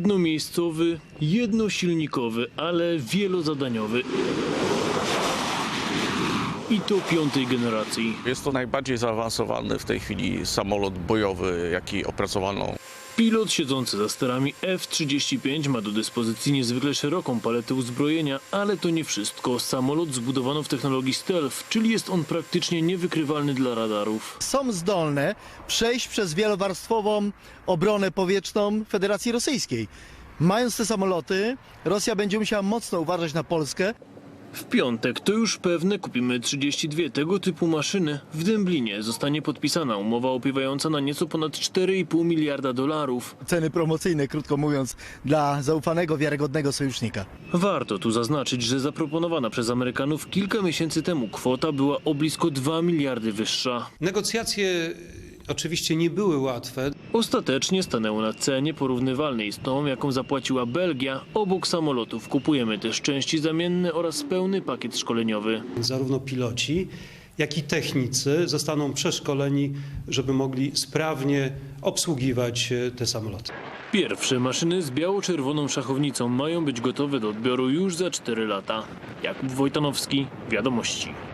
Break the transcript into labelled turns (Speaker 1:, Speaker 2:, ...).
Speaker 1: Jednomiejscowy, jednosilnikowy, ale wielozadaniowy. I to 5. generacji.
Speaker 2: Jest to najbardziej zaawansowany w tej chwili samolot bojowy, jaki opracowano.
Speaker 1: Pilot siedzący za sterami F-35 ma do dyspozycji niezwykle szeroką paletę uzbrojenia, ale to nie wszystko. Samolot zbudowano w technologii stealth, czyli jest on praktycznie niewykrywalny dla radarów.
Speaker 3: Są zdolne przejść przez wielowarstwową obronę powietrzną Federacji Rosyjskiej. Mając te samoloty, Rosja będzie musiała mocno uważać na Polskę.
Speaker 1: W piątek, to już pewne, kupimy 32 tego typu maszyny. W Dęblinie zostanie podpisana umowa opiewająca na nieco ponad 4,5 miliarda dolarów.
Speaker 3: Ceny promocyjne, krótko mówiąc, dla zaufanego, wiarygodnego sojusznika.
Speaker 1: Warto tu zaznaczyć, że zaproponowana przez Amerykanów kilka miesięcy temu kwota była o blisko 2 miliardy wyższa.
Speaker 4: Negocjacje oczywiście nie były łatwe.
Speaker 1: Ostatecznie stanęło na cenie porównywalnej z tą, jaką zapłaciła Belgia. Obok samolotów kupujemy też części zamienne oraz pełny pakiet szkoleniowy.
Speaker 4: Zarówno piloci, jak i technicy zostaną przeszkoleni, żeby mogli sprawnie obsługiwać te samoloty.
Speaker 1: Pierwsze maszyny z biało-czerwoną szachownicą mają być gotowe do odbioru już za 4 lata. Jakub Wojtanowski, Wiadomości.